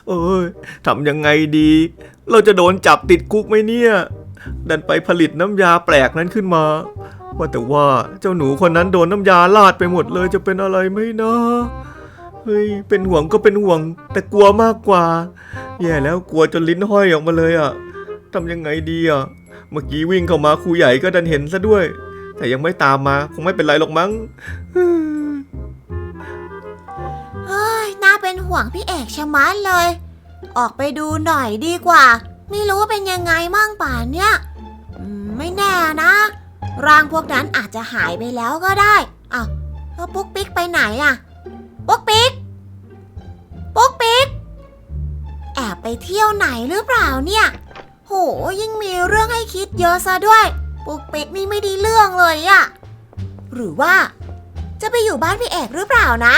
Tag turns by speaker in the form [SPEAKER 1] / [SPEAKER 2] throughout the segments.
[SPEAKER 1] เอ้ยทำยังไงดี เราจะโดนจับติดคุกไหมเนี่ยดันไปผลิตน้ำยาแปลกนั้นขึ้นมาว่าแต่ว่าเจ้าหนูคนนั้นโดนน้ำยาลาดไปหมดเลยจะเป็นอะไรไหมนะเฮ้ยเป็นห่วงก็เป็นห่วงแต่กลัวมากกว่าแย่แล้วกลัวจนลิ้นห้อยออกมาเลยอ่ะทำยังไงดีอ่ะเมื่อกี้วิ่งเข้ามาครูใหญ่ก็ดันเห็นซะด้วยแต่ยังไม่ตามมาคงไม่เป็นไรหรอกมั้ง
[SPEAKER 2] เฮ้ยน่าเป็นห่วงพี่เอกชะมัดเลยออกไปดูหน่อยดีกว่าไม่รู้ว่าเป็นยังไงมั่งป่านเนี่ยไม่แน่นะร่างพวกนั้นอาจจะหายไปแล้วก็ได้อ้าวแล้วปุ๊กปิ๊กไปไหนอะปุ๊กปิ๊กแอบไปเที่ยวไหนหรือเปล่าเนี่ยโหยิ่งมีเรื่องให้คิดเยอะซะด้วยปุ๊กปิ๊กนี่ไม่ได้เรื่องเลยอะหรือว่าจะไปอยู่บ้านพี่เอกหรือเปล่านะ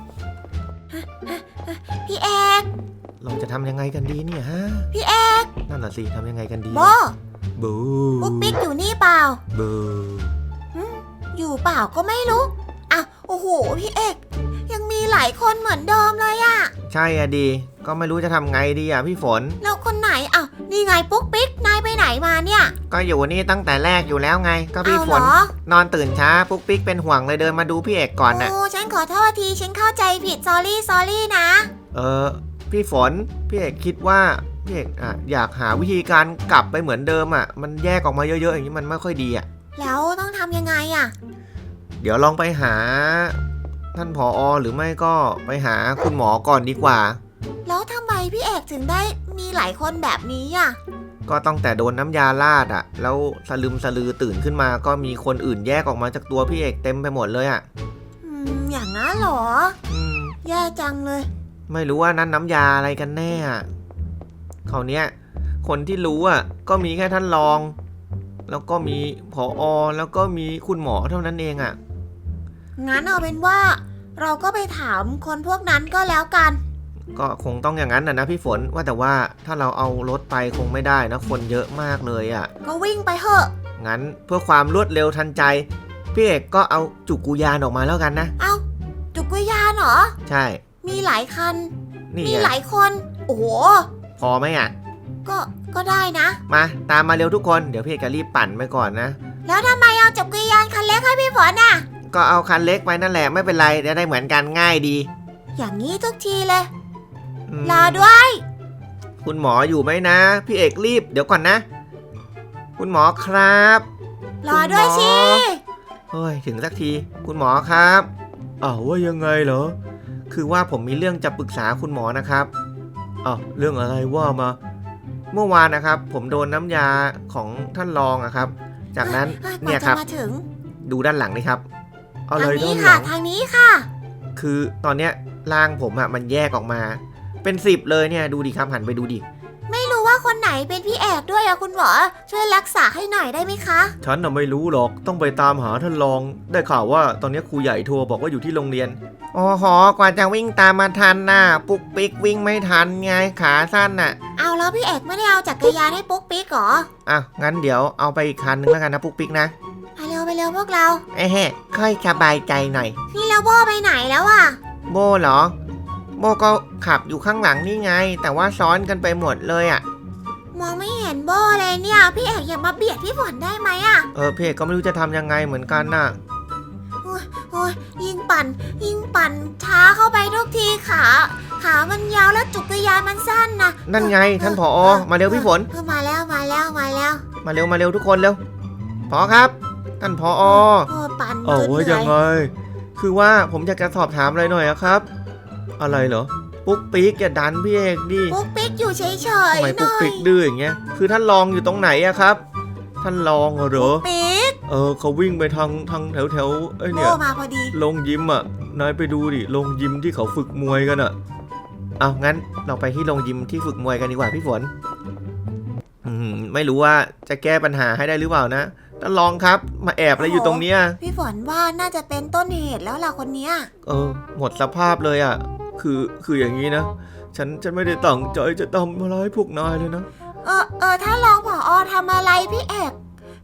[SPEAKER 2] พี่เอก
[SPEAKER 1] เราจะทำยังไงกันดีเนี่ยฮะ
[SPEAKER 2] พี่เอก
[SPEAKER 1] นั่นน่ะสิทำยังไงกันดี
[SPEAKER 2] โบ
[SPEAKER 1] บู
[SPEAKER 2] ปุ๊กปิ๊กอยู่นี่เปล่า
[SPEAKER 1] บู
[SPEAKER 2] อยู่เปล่าก็ไม่รู้อ่ะโอ้โหพี่เอกยังมีหลายคนเหมือนเดิมเลยอะ
[SPEAKER 1] ใช่อะดีก็ไม่รู้จะทำไงดีอะพี่ฝน
[SPEAKER 2] แล้วคนไหนอ่ะนี่ไงปุ๊กปิ๊กนายไปไหนมาเนี่ย
[SPEAKER 1] ก็อยู่นี่ตั้งแต่แรกอยู่แล้วไงก็พี่ฝนนอนตื่นช้าปุ๊กปิ๊กเป็นห่วงเลยเดินมาดูพี่เอกก่อนน่ะ
[SPEAKER 2] โอ้ฉันขอโทษทีฉันเข้าใจผิดซอรี่นะ
[SPEAKER 1] พี่ฝนพี่เอกคิดว่าพี่เอกอยากหาวิธีการกลับไปเหมือนเดิมอะมันแยกออกมาเยอะๆอย่างนี้มันไม่ค่อยดีอะ
[SPEAKER 2] แล้วต้องทำยังไงอะ
[SPEAKER 1] เดี๋ยวลองไปหาท่านผอ.หรือไม่ก็ไปหาคุณหมอก่อนดีกว่า
[SPEAKER 2] แล้วทำไมพี่เอกถึงได้มีหลายคนแบบนี้อ่ะ
[SPEAKER 1] ก็ตั้งแต่โดนน้ำยาลาดอ่ะแล้วสลึมสลือตื่นขึ้นมาก็มีคนอื่นแยกออกมาจากตัวพี่เอกเต็มไปหมดเลยอ่ะ
[SPEAKER 2] อย่างนั้นเหรอแย่จังเลย
[SPEAKER 1] ไม่รู้ว่านั้นน้ำยาอะไรกันแน่อ่ะคราวเนี้ยคนที่รู้อ่ะก็มีแค่ท่านรองแล้วก็มีผอ.แล้วก็มีคุณหมอเท่านั้นเองอ่ะ
[SPEAKER 2] งั้นเอาเป็นว่าเราก็ไปถามคนพวกนั้นก็แล้วกัน
[SPEAKER 1] ก็คงต้องอย่างนั้นนะพี่ฝนว่าแต่ว่าถ้าเราเอารถไปคงไม่ได้นะคนเยอะมากเลยอ่ะ
[SPEAKER 2] ก็วิ่งไปเถอะ
[SPEAKER 1] งั้นเพื่อความรวดเร็วทันใจพี่เอกก็เอาจุกุยานออกมาแล้วกันนะ
[SPEAKER 2] เอาจุกุยานเหรอ
[SPEAKER 1] ใช่
[SPEAKER 2] มีหลายคันมีหลายคนโอ้โห
[SPEAKER 1] พอไหมอ่ะ
[SPEAKER 2] ก็ได้นะ
[SPEAKER 1] มาตามมาเร็วทุกคนเดี๋ยวพี่เอกจะรีบปั่นไปก่อนนะ
[SPEAKER 2] แล้วทำไมเอาจุกุยานคันเล็กให้พี่ฝนน่ะ
[SPEAKER 1] ก็เอาคันเล็กไปนั่นแหละไม่เป็นไรได้เหมือนกันง่ายดี
[SPEAKER 2] อย่างนี้ทุกทีเลยรอด้วย
[SPEAKER 1] คุณหมออยู่ไหมนะพี่เอกรีบเดี๋ยวก่อนนะคุณหมอครับ
[SPEAKER 2] รอด้วยสิ
[SPEAKER 1] เฮ้ยถึงสักทีคุณหมอครับว่ายังไงเหรอคือว่าผมมีเรื่องจะปรึกษาคุณหมอนะครับเรื่องอะไรว่ามาเมื่อวานนะครับผมโดนน้ำยาของท่านรองอะครับจากนั้นเนี่ยครับดูด้านหลังนี่ครับ
[SPEAKER 2] อะไรด้านหลังทางนี้ค่ะ
[SPEAKER 1] คือตอนเนี้ยร่างผมอะมันแยกออกมาเป็น10เลยเนี่ยดูดิครับหันไปดูดิ
[SPEAKER 2] ไม่รู้ว่าคนไหนเป็นพี่เอกด้วยอะคุณหมอช่วยรักษาให้หน่อยได้ไหมคะ
[SPEAKER 1] ฉันน่ะไม่รู้หรอกต้องไปตามหาท่านรองได้ข่าวว่าตอนนี้ครูใหญ่โทรบอกว่าอยู่ที่โรงเรียนอ๋อหอกว่าจะวิ่งตามมาทันน่ะปุ๊กปิ๊กวิ่งไม่ทันไงขาสั้นน่ะ
[SPEAKER 2] เอาแล้วพี่เอกไม่ได้เอาจักรยานให้ปุ๊กปิ๊กหรอ
[SPEAKER 1] งั้นเดี๋ยวเอาไปอีกคันนึงแล้วกันนะปุ๊กปิ๊กนะ
[SPEAKER 2] ไปเร็วพวกเรา
[SPEAKER 1] ค่อยสบายใจหน่อย
[SPEAKER 2] นี่แล้วโบไปไหนแล้วอะ
[SPEAKER 1] โบเหรอโบก็ขับอยู่ข้างหลังนี่ไงแต่ว่าซ้อนกันไปหมดเลยอ่ะ
[SPEAKER 2] มองไม่เห็นโบเลยเนี่ยพี่เอกอย่ามาเบียดพี่ฝนได้ไหมอ่ะ
[SPEAKER 1] พี่เอกก็ไม่รู้จะทำยังไงเหมือนกันน่ะ
[SPEAKER 2] โอ้ยยิงปั่นช้าเข้าไปทุกทีขามันยาวแล้วจุกยานมันสั้นนะ
[SPEAKER 1] นั่นไงท่านผอ.มาเร็วพี่ฝน
[SPEAKER 2] มาแล้วมาเ
[SPEAKER 1] ร็วทุกคนเร็วผอ.ครับท่านผอ.
[SPEAKER 2] ปั่น
[SPEAKER 1] ว่ายังไงคือว่าผมอยากจะสอบถามอะไรหน่อยครับอะไรเหรอปุ๊กปิ๊กอย่าดันพี่เอกดิ
[SPEAKER 2] ปุ๊กปิ๊กอยู่เฉยๆ
[SPEAKER 1] ทำไมปุ๊กปิ๊กดื้ออย่างเงี้ยคือท่านรองอยู่ตรงไหนอะครับท่านรองเหรอ
[SPEAKER 2] ปิ๊ก
[SPEAKER 1] เขาวิ่งไปทางแถวเนี่ย
[SPEAKER 2] มาพอดี
[SPEAKER 1] โรงยิมอะนายไปดูดิโรงยิมที่เขาฝึกมวยกันอะงั้นเราไปที่โรงยิมที่ฝึกมวยกันดีกว่าพี่ฝนไม่รู้ว่าจะแก้ปัญหาให้ได้หรือเปล่านะท่านรองครับมาแอบอะไรอยู่ตรงเนี้ย
[SPEAKER 2] พี่ฝนว่าน่าจะเป็นต้นเหตุแล้วล่ะคนเนี้ย
[SPEAKER 1] หมดสภาพเลยอะคืออย่างนี้นะฉันไม่ได้ตั้งใจจะทำอะไรพวกนายเลยนะ
[SPEAKER 2] ถ้ารองผอ.ทำอะไรพี่เอก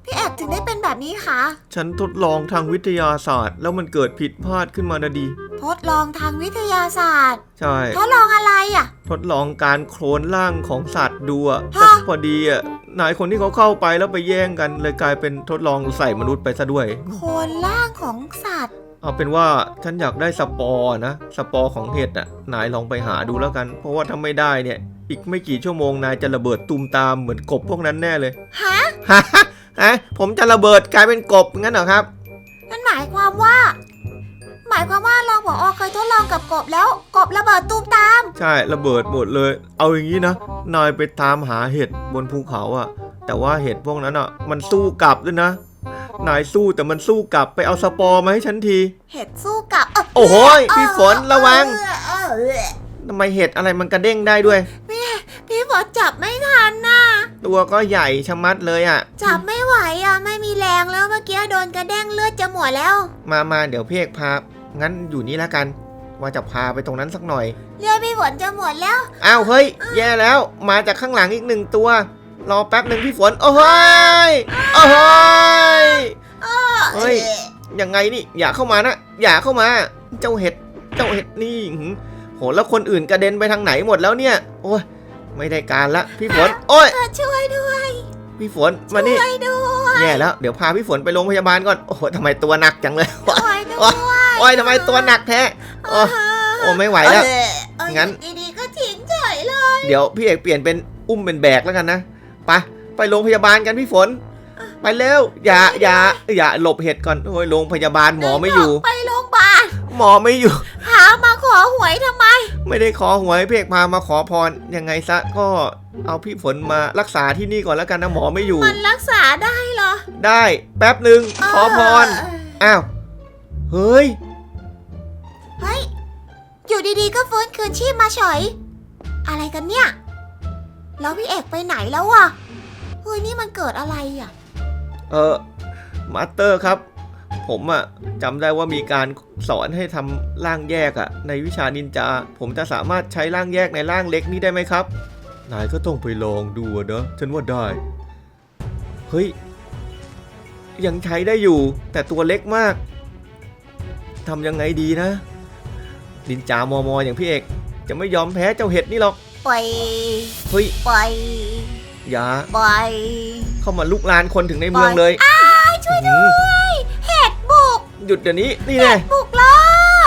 [SPEAKER 2] พี่เอกถึงได้เป็นแบบนี้คะ
[SPEAKER 1] ฉันทดลองทางวิทยาศาสตร์แล้วมันเกิดผิดพลาดขึ้นมานะดี
[SPEAKER 2] ทดลองทางวิทยาศาสตร์
[SPEAKER 1] ใช่
[SPEAKER 2] ทดลองอะไรอ่ะ
[SPEAKER 1] ทดลองการโคลนร่างของสัตว์ดูอะ
[SPEAKER 2] ฮะ
[SPEAKER 1] แต่พอดีอะนายคนที่เขาเข้าไปแล้วไปแย่งกันเลยกลายเป็นทดลองใส่มนุษย์ไปซะด้วย
[SPEAKER 2] โคนร่างของสัตว์
[SPEAKER 1] เอาเป็นว่าฉันอยากได้สปอร์นะสปอร์ของเห็ดอ่ะนายลองไปหาดูแล้วกัน เพราะว่าถ้าไม่ได้เนี่ยอีกไม่กี่ชั่วโมงนายจะระเบิดตูมตามเหมือนกบพวกนั้นแน่เลย
[SPEAKER 2] ฮะ
[SPEAKER 1] ฮะผมจะระเบิดกลายเป็นกบงั้นเหรอครับ
[SPEAKER 2] นั่นหมายความว่ารองผอเคยทดลองกับกบแล้วกบระเบิดตูมตาม
[SPEAKER 1] ใช่ระเบิดหมดเลย เอาอย่างนี้นะนายไปตามหาเห็ดบนภูเขาอ่ะแต่ว่าเห็ดพวกนั้นอ่ะมันสู้กลับด้วยนะนายสู้แต่มันสู้กลับไปเอาสปอร์มาให้ฉันที
[SPEAKER 2] เห็ดสู้กับ
[SPEAKER 1] โอ้โหพี่ฝนระวังทำไมเห็ดอะไรมันกระเด้งได้ด้วย
[SPEAKER 2] พี่ฝนจับไม่ทันน่ะ
[SPEAKER 1] ตัวก็ใหญ่ชะมัดเลยอ่ะ
[SPEAKER 2] จับไม่ไหวอ่ะไม่มีแรงแล้วเมื่อกี้โดนกระเด้งเลือดจะหมดแล้ว
[SPEAKER 1] มาเดี๋ยวพี่เอกพางั้นอยู่นี่แล้วกัน ว่าจะพาไปตรงนั้นสักหน่อย
[SPEAKER 2] เลือดพี่ฝนจะหมดแล้ว
[SPEAKER 1] อ้าวเฮ้ยแย่แล้วมาจากข้างหลังอีก1 ตัวรอแป๊บหนึ่งพี่ฝนโอ้ยโอ้ยเฮ้ยยังไงนี่อย่าเข้ามานะอย่าเข้ามาเจ้าเห็ดนี่โหแล้วคนอื่นกระเด็นไปทางไหนหมดแล้วเนี่ยโอ้ยไม่ได้การละพี่ฝนโอ้ย
[SPEAKER 2] ช่วยด้วย
[SPEAKER 1] พี่ฝนมานี่
[SPEAKER 2] ช่วยด้วย
[SPEAKER 1] แย่แล้วเดี๋ยวพาพี่ฝนไปโรงพยาบาลก่อนโอ้โหทำไมตัวหนักจังเลย
[SPEAKER 2] ช่วยด้วย
[SPEAKER 1] โอ้ยทำไมตัวหนักแท้โอ้ไม่ไหวแล้ว งั้น
[SPEAKER 2] ดีๆก็ทิ้งเฉยเลย
[SPEAKER 1] เดี๋ยวพี่เอกเปลี่ยนเป็นอุ้มเป็นแบกแล้วกันนะไปโรงพยาบาลกันพี่ฝนไปเร็วอย่าหลบเห็ดก่อนโอ้ยโรงพยาบาลหมอไม่อยู่
[SPEAKER 2] ไปโรงพยาบาล
[SPEAKER 1] หมอไม่อยู่
[SPEAKER 2] หามาขอหวยทำไม
[SPEAKER 1] ไม่ได้ขอหวยพี่เอกพามาขอพรยังไงซะก็เอาพี่ฝนมารักษาที่นี่ก่อนแล้วกันนะหมอไม่อยู่
[SPEAKER 2] มันรักษาได้เหรอ
[SPEAKER 1] ได้แป๊บหนึ่งขอพรอ้าวเฮ้ย
[SPEAKER 2] เฮ้ยอยู่ดีๆก็ฟื้นคืนชีพมาเฉยอะไรกันเนี่ยแล้วพี่เอกไปไหนแล้วอะเฮ้ยนี่มันเกิดอะไรอะ
[SPEAKER 1] มาสเตอร์ครับผมอะจำได้ว่ามีการสอนให้ทำร่างแยกอะในวิชานินจาผมจะสามารถใช้ร่างแยกในร่างเล็กนี้ได้ไหมครับนายก็ต้องไปลองดูนะฉันว่าได้เฮ้ยยังใช้ได้อยู่แต่ตัวเล็กมากทำยังไงดีนะนินจามออย่างพี่เอกจะไม่ยอมแพ้เจ้าเห็ดนี่หรอก
[SPEAKER 2] ปล่อย
[SPEAKER 1] เฮ้ย
[SPEAKER 2] ปล่อย
[SPEAKER 1] อย่า
[SPEAKER 2] ปล่อย
[SPEAKER 1] เข้ามาลุกลานคนถึงในเมืองเลย
[SPEAKER 2] ช่วยด้วยเห็ดบุก
[SPEAKER 1] หยุดเดี๋ยวนี้นี่แน่
[SPEAKER 2] บุกลอก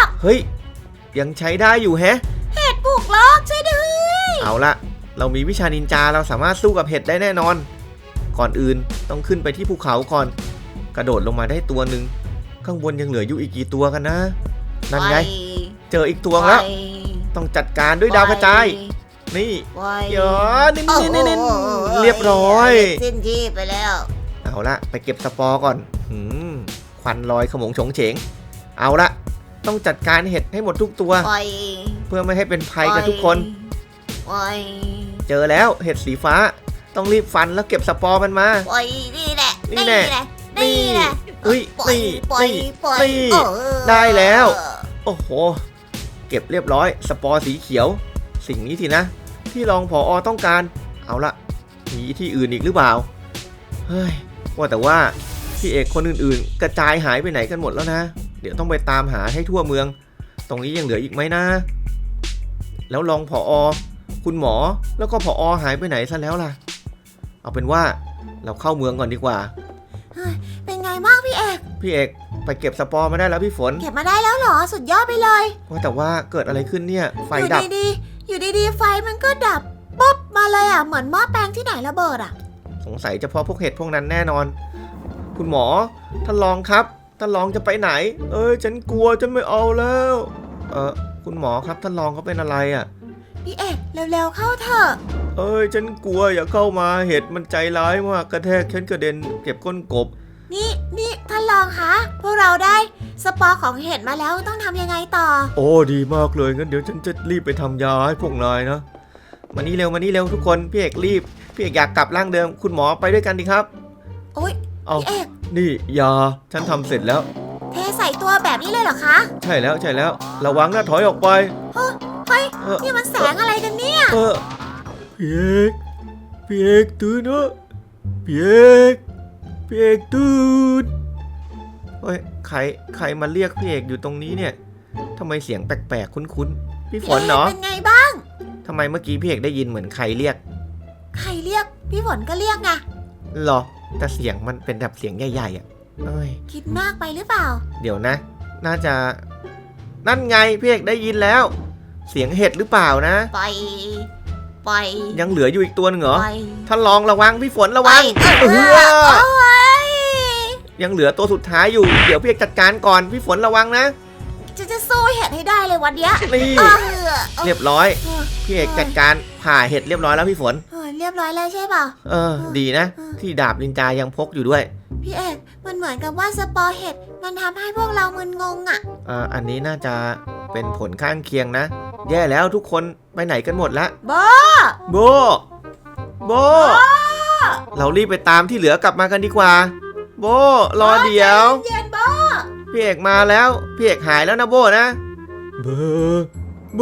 [SPEAKER 1] เฮ้ยยังใช้ได้อยู่แฮะ
[SPEAKER 2] เห็ดบุกลอกช่วยด้วย
[SPEAKER 1] เอาละเรามีวิชานินจาเราสามารถสู้กับเห็ดได้แน่นอน ก่อนอื่นต้องขึ้นไปที่ภูเขาก่อน กระโดดลงมาได้ตัวหนึ่งข้างบนยังเหลืออยู่อีกกี่ตัวกันนะนั่นไงเจออีกตัวแล้วต้องจัดการด้วยดาวกระจายนี่เยอะนี่เรียบร้อย
[SPEAKER 2] สิ้นที่ไปแล้ว
[SPEAKER 1] เอาละไปเก็บสปอร์ก่อนควันลอยขโมงโฉงเฉงเอาละต้องจัดการเห็ดให้หมดทุกตัว เพื่อไม่ให้เป็นภัยกับทุกคน เจอแล้วเห็ดสีฟ้าต้องรีบฟันแล้วเก็บสปอร์มันมา
[SPEAKER 2] นี่แหละ
[SPEAKER 1] นี่แน่
[SPEAKER 2] นี่แหละ
[SPEAKER 1] เฮ้ย
[SPEAKER 2] ปล่อย
[SPEAKER 1] นี่
[SPEAKER 2] ปล่อย
[SPEAKER 1] นี่
[SPEAKER 2] ปล่อย
[SPEAKER 1] นี่ได้แล้ว โอ้โหเก็บเรียบร้อยสปอร์สีเขียวสิ่งนี้สินะที่รองผอต้องการเอาละมีที่อื่นอีกหรือเปล่าเฮ้ยว่าแต่ว่าพี่เอกคนอื่นๆกระจายหายไปไหนกันหมดแล้วนะเดี๋ยวต้องไปตามหาให้ทั่วเมืองตรงนี้ยังเหลืออีกไหมนะแล้วรองผอคุณหมอแล้วก็ผอหายไปไหนซะแล้วล่ะเอาเป็นว่าเราเข้าเมืองก่อนดีกว่า
[SPEAKER 2] เป็นไงบ้างพี่เอก
[SPEAKER 1] พี่เอกไปเก็บสปอร์มาได้แล้วพี่ฝน
[SPEAKER 2] เก็บมาได้แล้วเหรอสุดยอดไปเลย
[SPEAKER 1] ว่าแต่ว่าเกิดอะไรขึ้นเนี่ยไฟดับ
[SPEAKER 2] อยู่ดีๆไฟมันก็ดับปุ๊บมาเลยอ่ะเหมือนหม้อแปลงที่ไหนระเบิดอ่ะ
[SPEAKER 1] สงสัยเฉพาะพวกเห็ดพวกนั้นแน่นอนคุณหมอท่านรองครับท่านรองจะไปไหนฉันกลัวฉันไม่เอาแล้วคุณหมอครับท่านรองเขาเป็นอะไรอ่ะ
[SPEAKER 2] พี่เอกเร็วๆเข้าเถอะ
[SPEAKER 1] ฉันกลัวอย่าเข้ามาเห็ดมันใจร้ายมากกระแทกฉันกระเด็นเก็บก้นกบ
[SPEAKER 2] นี่ท่านรองคะพวกเราได้สปอร์ของเห็ดมาแล้วต้องทำยังไงต่อ
[SPEAKER 1] โอ้ดีมากเลยงั้นเดี๋ยวฉันจะรีบไปทำยาให้พวกนายนะมานี่เร็วทุกคนพี่เอกรีบพี่เอกอยากกลับร่างเดิมคุณหมอไปด้วยกันดีครับ
[SPEAKER 2] โอ๊ยพี่เอก
[SPEAKER 1] นี่ยาฉันทำเสร็จแล้ว
[SPEAKER 2] เทใส่ตัวแบบนี้เลยเหรอคะ
[SPEAKER 1] ใช่แล้วระวังนะถอยออกไป
[SPEAKER 2] เฮ้ยนี่มันแสงอะไรกันเนี่ย
[SPEAKER 1] พี่เอกตื่นเถอะพี่เอกพี่เอกตื่นเฮ้ยใครมาเรียกพี่เอกอยู่ตรงนี้เนี่ยทำไมเสียงแปลกๆคุ้นๆพี่ฝนเหรอ
[SPEAKER 2] เป็นไงบ้าง
[SPEAKER 1] ทำไมเมื่อกี้พี่เอกได้ยินเหมือนใครเรียก
[SPEAKER 2] ใครเรียกพี่ฝนก็เรียกไง
[SPEAKER 1] หรอแต่เสียงมันเป็นแบบเสียงใหญ่ๆอ่ะเอ้ย
[SPEAKER 2] คิดมากไปหรือเปล่า
[SPEAKER 1] เดี๋ยวนะ น่าจะนั่นไงพี่เอกได้ยินแล้ว เสียงเห็ดหรือเปล่านะ
[SPEAKER 2] ไป
[SPEAKER 1] ยังเหลืออยู่อีกตัวหนึงเหรอ
[SPEAKER 2] ไป
[SPEAKER 1] ท่านลองระวังพี่ฝนระวัง
[SPEAKER 2] โอ้ย
[SPEAKER 1] ยังเหลือตัวสุดท้ายอยู่เดี๋ยวพี่เอกจัดการก่อนพี่ฝนระวังนะ
[SPEAKER 2] จะสู้เห็ดให้ได้เลยวันเนี้ย
[SPEAKER 1] นี่ เรียบร้อยพี่เอกจัดการผ่าเห็ดเรียบร้อยแล้วพี่ฝน
[SPEAKER 2] เรียบร้อยแล้วใช่เปล่า
[SPEAKER 1] ดีนะ ที่ดาบนินจายังพกอยู่ด้วย
[SPEAKER 2] พี่เอกมันเหมือนกับว่าสปอร์เห็ดมันทำให้พวกเรามึนงงอ่ะ
[SPEAKER 1] อันนี้น่าจะเป็นผลข้างเคียงนะ แย่แล้วทุกคนไปไหนกันหมดละ
[SPEAKER 2] โบ
[SPEAKER 1] โบ เรารีบไปตามที่เหลือกลับมากันดีกว่า โบรอเดี๋ยว
[SPEAKER 2] เย็นโบ
[SPEAKER 1] พี่เอกมาแล้วพี่เอกหายแล้วนะโบนะโบ
[SPEAKER 2] โบ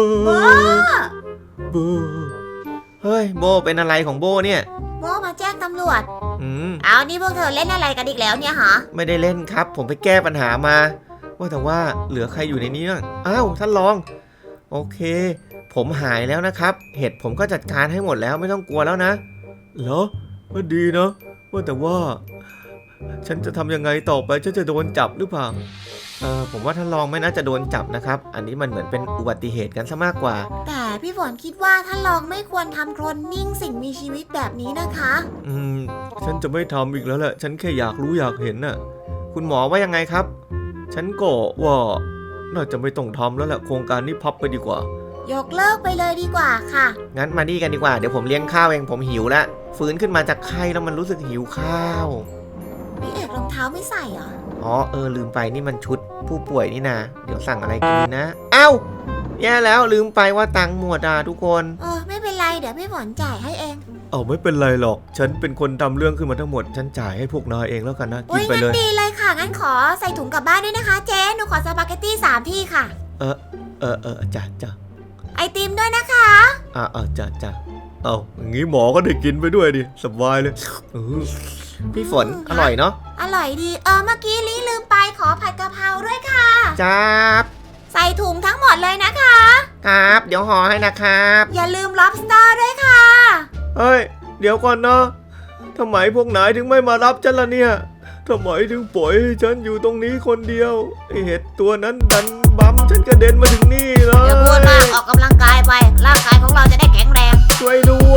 [SPEAKER 1] โบเฮ้ยโบเป็นอะไรของโบเนี่ย
[SPEAKER 2] โบมาแจ้งตำรวจ
[SPEAKER 1] เอา
[SPEAKER 2] นี่พวกเธอเล่นอะไรกันอีกแล้วเนี่ยฮะ
[SPEAKER 1] ไม่ได้เล่นครับ ผมไปแก้ปัญหามา ว่าแต่ว่าเหลือใครอยู่ในนี้บ้างอ้าวท่านรอง โอเค ผมหายแล้วนะครับ เห็ดผมก็จัดการให้หมดแล้วไม่ต้องกลัวแล้วนะเหรอก็ดีเนาะว่าแต่ว่า ฉันจะทำยังไงต่อไปฉันจะโดนจับหรือเปล่าผมว่าท่านรองไม่น่าจะโดนจับนะครับ อันนี้มันเหมือนเป็นอุบัติเหตุกันซะมากกว่า
[SPEAKER 2] แต่พี่ฝนคิดว่าท่านรองไม่ควรทำโคลนนิ่งสิ่งมีชีวิตแบบนี้นะคะ
[SPEAKER 1] ฉันจะไม่ทำอีกแล้วแหละฉันแค่อยากรู้อยากเห็นน่ะคุณหมอว่ายังไงครับ ฉันก็ว่าน่าจะไม่ต้องทำแล้วแหละโครงการนี้พับไปดีกว่าย
[SPEAKER 2] กเลิกไปเลยดีกว่าค่ะ
[SPEAKER 1] งั้นมาดีกันดีกว่าเดี๋ยวผมเลี้ยงข้าวเองผมหิวแล้วฟื้นขึ้นมาจากไข้แล้วมันรู้สึกหิวข้าว
[SPEAKER 2] พี่เอกรองเท้าไม่ใส่เหรอ
[SPEAKER 1] อ๋อลืมไปนี่มันชุดผู้ป่วยนี่นะเดี๋ยวสั่งอะไรกินดีนะเอ้าแย่แล้วลืมไปว่าตังค์หมดอ่ะทุกคน
[SPEAKER 2] ไม่เป็นไรเดี๋ยวพี่ฝนจ่ายให้เอง
[SPEAKER 1] ไม่เป็นไรหรอกฉันเป็นคนทำเรื่องขึ้นมาทั้งหมดฉันจ่ายให้พวกนายเองแล้วกันนะกินไปเลย
[SPEAKER 2] งั้นดีเลยค่ะงั้นขอใส่ถุงกลับบ้านด้วยนะคะเจ๊หนูขอสปาเกตตี้3 ที่ค่ะ
[SPEAKER 1] จ้ะ
[SPEAKER 2] ไอติมด้วยนะคะ
[SPEAKER 1] จ้ะอย่างงี้หมอก็ได้กินไปด้วยดิสบายเลยพี่ฝนอร่อยเนาะ
[SPEAKER 2] อร่อยดีเมื่อกี้ลืมไปขอผัดกะเพราด้วยค่ะ
[SPEAKER 1] จ้าบ
[SPEAKER 2] ใส่ถุงทั้งหมดเลยนะคะ
[SPEAKER 1] ครับเดี๋ยวห่อให้นะครับ
[SPEAKER 2] อย่าลืม lobster ด้วยค่ะ
[SPEAKER 1] เฮ้ยเดี๋ยวก่อนนะทำไมพวกนายถึงไม่มารับฉันล่ะเนี่ยทำไมถึงปล่อยให้ฉันอยู่ตรงนี้คนเดียวไอเห็ดตัวนั้นดันบัมฉันกระเด็นมาถึงนี่เลย
[SPEAKER 2] อย่าพูดมากออกกำลังกายไปร่างกายของเราจะได้แข็งแรง
[SPEAKER 1] ช่วยด้ว